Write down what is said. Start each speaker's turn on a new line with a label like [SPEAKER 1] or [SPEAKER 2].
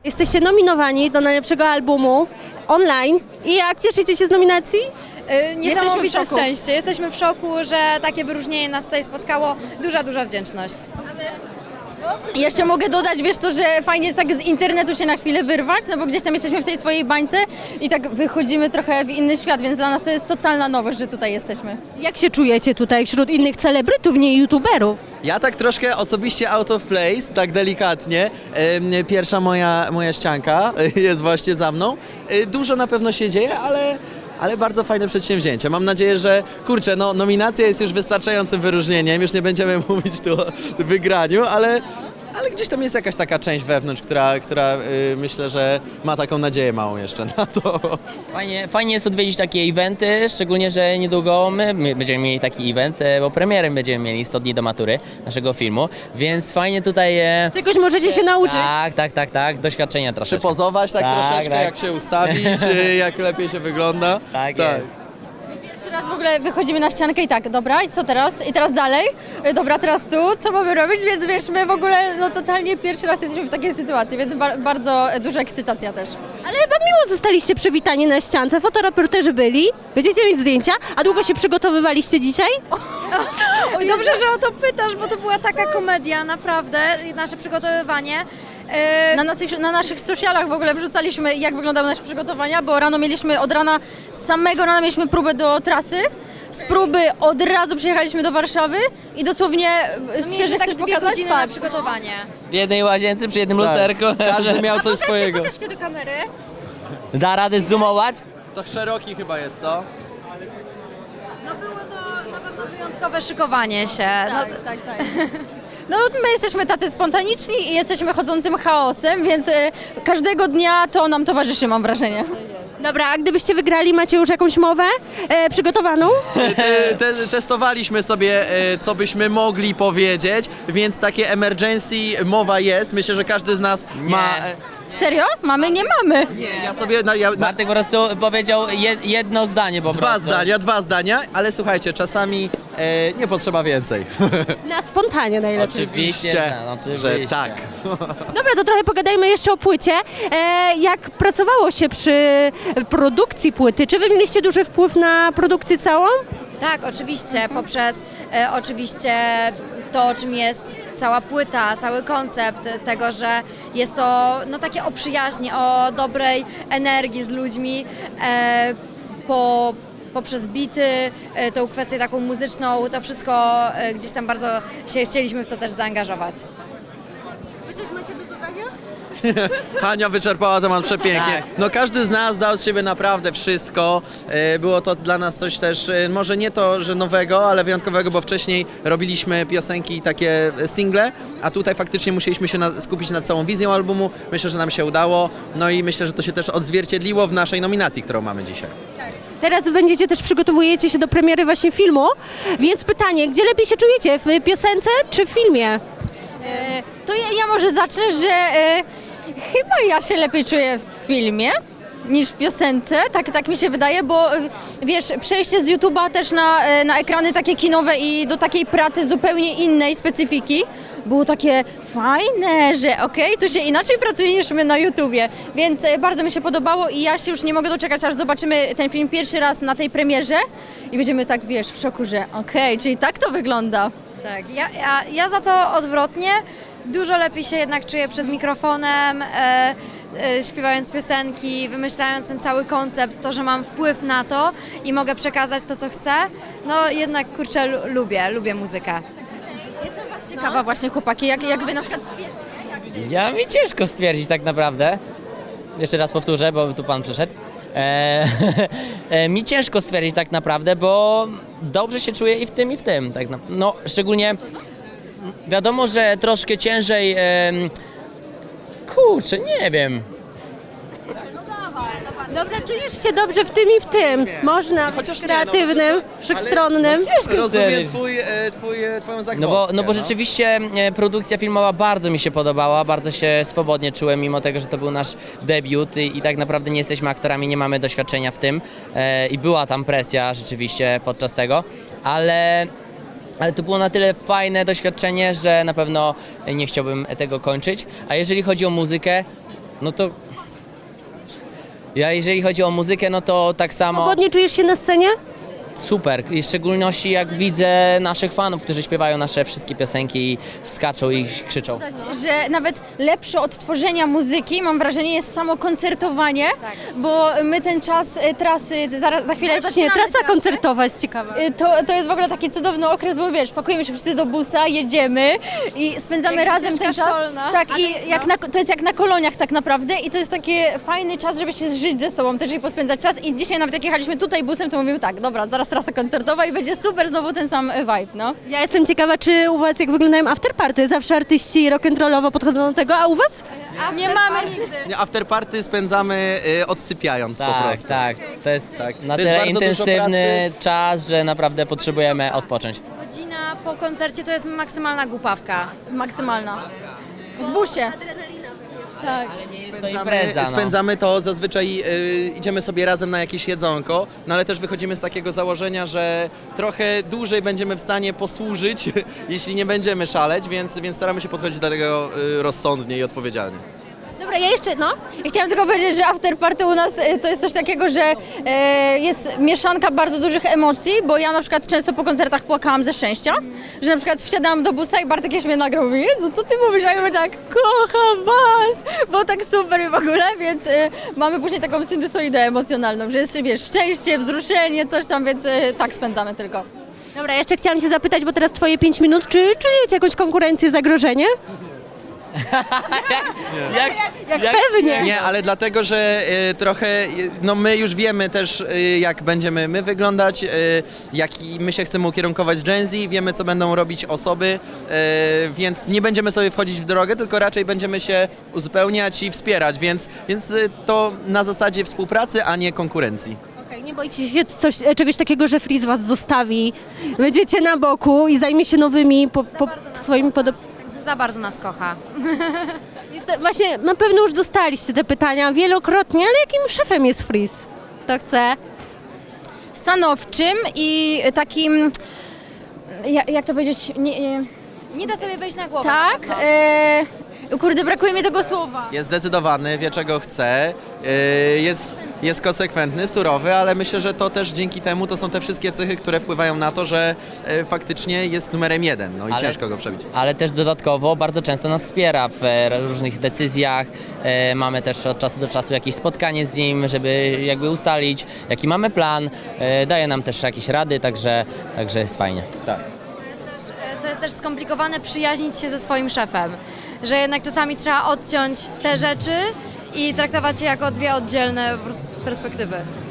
[SPEAKER 1] Jesteście nominowani do najlepszego albumu online. I jak cieszycie się z nominacji?
[SPEAKER 2] Niesamowite szczęście. Jesteśmy w szoku, że takie wyróżnienie nas tutaj spotkało. Duża wdzięczność. Jeszcze mogę dodać, wiesz co, że fajnie tak z internetu się na chwilę wyrwać, no bo gdzieś tam jesteśmy w tej swojej bańce i tak wychodzimy trochę w inny świat, więc dla nas to jest totalna nowość, że tutaj jesteśmy.
[SPEAKER 1] Jak się czujecie tutaj wśród innych celebrytów, nie youtuberów?
[SPEAKER 3] Ja tak troszkę osobiście out of place, tak delikatnie. Pierwsza moja ścianka jest właśnie za mną. Dużo na pewno się dzieje, ale bardzo fajne przedsięwzięcie. Mam nadzieję, że kurczę, no nominacja jest już wystarczającym wyróżnieniem, już nie będziemy mówić tu o wygraniu, ale gdzieś tam jest jakaś taka część wewnątrz, która myślę, że ma taką nadzieję małą jeszcze na to.
[SPEAKER 4] Fajnie jest odwiedzić takie eventy, szczególnie, że niedługo my będziemy mieli taki event, bo premierem będziemy mieli 100 dni do matury naszego filmu, więc fajnie tutaj...
[SPEAKER 1] Czegoś możecie się nauczyć.
[SPEAKER 4] Tak, doświadczenia troszeczkę.
[SPEAKER 3] Przypozować tak troszeczkę,
[SPEAKER 4] tak.
[SPEAKER 3] jak się ustawić, jak lepiej się wygląda.
[SPEAKER 4] Tak jest.
[SPEAKER 2] Pierwszy raz w ogóle wychodzimy na ściankę i tak, dobra, i co teraz? I teraz dalej? Dobra, teraz tu, co mamy robić? Więc wiesz, my w ogóle no totalnie pierwszy raz jesteśmy w takiej sytuacji, więc bardzo duża ekscytacja też.
[SPEAKER 1] Ale chyba miło zostaliście przywitani na ściance, fotoreporterzy byli, będziecie mieć zdjęcia, a długo się przygotowywaliście dzisiaj?
[SPEAKER 2] Oj, dobrze, że o to pytasz, bo to była taka komedia, naprawdę, nasze przygotowywanie. Na naszych socialach w ogóle wrzucaliśmy, jak wyglądały nasze przygotowania, bo z samego rana mieliśmy próbę do trasy. Z próby od razu przyjechaliśmy do Warszawy i dosłownie świeże
[SPEAKER 5] tak
[SPEAKER 2] chcesz
[SPEAKER 5] 2
[SPEAKER 2] pokazać?
[SPEAKER 5] godziny na
[SPEAKER 2] Patrz.
[SPEAKER 5] przygotowanie.
[SPEAKER 4] W jednej łazience przy jednym lusterku.
[SPEAKER 3] Każdy miał coś swojego.
[SPEAKER 1] Pokażcie do kamery.
[SPEAKER 4] Da radę zoomować?
[SPEAKER 3] To szeroki chyba jest, co?
[SPEAKER 5] No było to na pewno wyjątkowe szykowanie się.
[SPEAKER 2] Tak. No my jesteśmy tacy spontaniczni i jesteśmy chodzącym chaosem, więc każdego dnia to nam towarzyszy, mam wrażenie.
[SPEAKER 1] Dobra, a gdybyście wygrali, macie już jakąś mowę przygotowaną?
[SPEAKER 3] Testowaliśmy sobie, co byśmy mogli powiedzieć, więc takie emergency mowa jest. Myślę, że każdy z nas ma...
[SPEAKER 2] Serio? Mamy? Nie mamy.
[SPEAKER 3] Ja sobie...
[SPEAKER 4] Bartek po prostu powiedział jedno zdanie po prostu.
[SPEAKER 3] Dwa zdania, ale słuchajcie, czasami nie potrzeba więcej.
[SPEAKER 1] Na spontanie najlepiej.
[SPEAKER 4] Oczywiście,
[SPEAKER 3] że tak.
[SPEAKER 1] Dobra, to trochę pogadajmy jeszcze o płycie. Jak pracowało się przy produkcji płyty? Czy wy mieliście duży wpływ na produkcję całą?
[SPEAKER 5] Tak, oczywiście, poprzez oczywiście to, o czym jest cała płyta, cały koncept tego, że jest to no, takie o przyjaźni, o dobrej energii z ludźmi, poprzez bity, tą kwestię taką muzyczną, to wszystko gdzieś tam bardzo się chcieliśmy w to też zaangażować.
[SPEAKER 1] Wy coś macie do dodania?
[SPEAKER 3] Hania wyczerpała temat przepięknie.
[SPEAKER 4] Tak.
[SPEAKER 3] No każdy z nas dał z siebie naprawdę wszystko. Było to dla nas coś też, może nie to, że nowego, ale wyjątkowego, bo wcześniej robiliśmy piosenki takie single, a tutaj faktycznie musieliśmy się skupić nad całą wizją albumu. Myślę, że nam się udało. No i myślę, że to się też odzwierciedliło w naszej nominacji, którą mamy dzisiaj.
[SPEAKER 1] Teraz przygotowujecie się do premiery właśnie filmu, więc pytanie, gdzie lepiej się czujecie, w piosence czy w filmie?
[SPEAKER 2] To ja może zacznę, że chyba ja się lepiej czuję w filmie niż w piosence, tak mi się wydaje, bo wiesz, przejście z YouTube'a też na ekrany takie kinowe i do takiej pracy zupełnie innej specyfiki było takie fajne, że okej, tu się inaczej pracuje niż my na YouTubie, więc bardzo mi się podobało i ja się już nie mogę doczekać, aż zobaczymy ten film pierwszy raz na tej premierze i będziemy tak, wiesz, w szoku, że okej, czyli tak to wygląda.
[SPEAKER 5] Tak, ja za to odwrotnie. Dużo lepiej się jednak czuję przed mikrofonem, śpiewając piosenki, wymyślając ten cały koncept, to, że mam wpływ na to i mogę przekazać to, co chcę. No jednak, kurczę, lubię muzykę.
[SPEAKER 2] Jestem was ciekawa właśnie, chłopaki, jak wy na przykład
[SPEAKER 4] Ja mi ciężko stwierdzić tak naprawdę. Jeszcze raz powtórzę, bo tu pan przyszedł. Mi ciężko stwierdzić tak naprawdę, bo dobrze się czuję i w tym, i w tym. Tak no, szczególnie wiadomo, że troszkę ciężej. Kurczę, nie wiem.
[SPEAKER 1] Dobra, czujesz się dobrze w tym i w tym. Można być
[SPEAKER 3] Chociaż nie,
[SPEAKER 1] kreatywnym, wszechstronnym.
[SPEAKER 3] Rozumiem
[SPEAKER 4] stwierdzić.
[SPEAKER 3] twoją zagwozdkę.
[SPEAKER 4] No bo rzeczywiście produkcja filmowa bardzo mi się podobała, bardzo się swobodnie czułem, mimo tego, że to był nasz debiut i tak naprawdę nie jesteśmy aktorami, nie mamy doświadczenia w tym i była tam presja rzeczywiście podczas tego, ale to było na tyle fajne doświadczenie, że na pewno nie chciałbym tego kończyć. A jeżeli chodzi o muzykę, No to... Ja jeżeli chodzi o muzykę, no to tak samo...
[SPEAKER 1] Swobodnie czujesz się na scenie?
[SPEAKER 4] Super, i w szczególności jak widzę naszych fanów, którzy śpiewają nasze wszystkie piosenki i skaczą i krzyczą.
[SPEAKER 2] Że nawet lepsze od tworzenia muzyki, mam wrażenie, jest samo koncertowanie, bo my ten czas trasy, za chwilę
[SPEAKER 1] Właśnie,
[SPEAKER 2] zaczynamy
[SPEAKER 1] trasa
[SPEAKER 2] trasę.
[SPEAKER 1] koncertowa jest ciekawa.
[SPEAKER 2] To jest w ogóle taki cudowny okres, bo wiesz, pakujemy się wszyscy do busa, jedziemy i spędzamy
[SPEAKER 5] Jak
[SPEAKER 2] razem ten
[SPEAKER 5] ścieżka
[SPEAKER 2] czas.
[SPEAKER 5] szkolna.
[SPEAKER 2] Tak, i to jest jak na koloniach tak naprawdę i to jest taki fajny czas, żeby się zżyć ze sobą też i pospędzać czas. I dzisiaj nawet jak jechaliśmy tutaj busem, to mówimy tak, dobra, zaraz trasa koncertowa i będzie super znowu ten sam vibe, no.
[SPEAKER 1] Ja jestem ciekawa, czy u was jak wyglądają afterparty? Zawsze artyści rock'n'rollowo podchodzą do tego, a u was?
[SPEAKER 2] Nie mamy...
[SPEAKER 3] Nie, afterparty spędzamy odsypiając po
[SPEAKER 4] Tak,
[SPEAKER 3] prostu.
[SPEAKER 4] tak. To jest na
[SPEAKER 3] To jest
[SPEAKER 4] tyle
[SPEAKER 3] bardzo dużo
[SPEAKER 4] intensywny czas, że naprawdę potrzebujemy odpocząć.
[SPEAKER 5] Godzina po koncercie to jest maksymalna głupawka.
[SPEAKER 2] Maksymalna. W busie. Tak.
[SPEAKER 4] To impreza, no.
[SPEAKER 3] Spędzamy to zazwyczaj, idziemy sobie razem na jakieś jedzonko, no ale też wychodzimy z takiego założenia, że trochę dłużej będziemy w stanie posłużyć, jeśli nie będziemy szaleć, więc staramy się podchodzić do tego rozsądnie i odpowiedzialnie.
[SPEAKER 1] Dobra, ja jeszcze, no.
[SPEAKER 2] I chciałam tylko powiedzieć, że afterparty u nas to jest coś takiego, że jest mieszanka bardzo dużych emocji, bo ja na przykład często po koncertach płakałam ze szczęścia, że na przykład wsiadałam do busa i Bartek jeszcze mnie nagrał, mówi, Jezu, co ty mówisz? A ja mówię tak, kocham was, bo tak super i w ogóle, więc mamy później taką sinusoidę emocjonalną, że jest, wiesz, szczęście, wzruszenie, coś tam, więc tak spędzamy tylko.
[SPEAKER 1] Dobra, jeszcze chciałam cię zapytać, bo teraz twoje 5 minut, czy czujecie jakąś konkurencję, zagrożenie? Jak pewnie.
[SPEAKER 3] Nie, ale dlatego, że trochę, no my już wiemy też, jak będziemy my wyglądać, jaki my się chcemy ukierunkować Gen Z, wiemy, co będą robić osoby, więc nie będziemy sobie wchodzić w drogę, tylko raczej będziemy się uzupełniać i wspierać, więc to na zasadzie współpracy, a nie konkurencji.
[SPEAKER 1] Okej, nie boicie się czegoś takiego, że Freeze was zostawi, będziecie na boku i zajmie się nowymi swoimi
[SPEAKER 5] Za bardzo nas kocha.
[SPEAKER 1] Właśnie, na pewno już dostaliście te pytania wielokrotnie, ale jakim szefem jest Freeze? Kto chce?
[SPEAKER 2] Stanowczym i takim, jak to powiedzieć,
[SPEAKER 5] Nie da sobie wejść na głowę.
[SPEAKER 2] tak,
[SPEAKER 5] na pewno.
[SPEAKER 2] kurde, brakuje mi tego słowa.
[SPEAKER 3] Jest zdecydowany, wie czego chce, jest konsekwentny, surowy, ale myślę, że to też dzięki temu to są te wszystkie cechy, które wpływają na to, że faktycznie jest numerem 1, no i
[SPEAKER 4] Ale-
[SPEAKER 3] ciężko go przebić.
[SPEAKER 4] Ale też dodatkowo bardzo często nas wspiera w różnych decyzjach. Mamy też od czasu do czasu jakieś spotkanie z nim, żeby jakby ustalić, jaki mamy plan. Daje nam też jakieś rady, także jest fajnie.
[SPEAKER 3] Tak.
[SPEAKER 5] To jest też skomplikowane przyjaźnić się ze swoim szefem, że jednak czasami trzeba odciąć te rzeczy i traktować je jako dwie oddzielne po prostu perspektywy.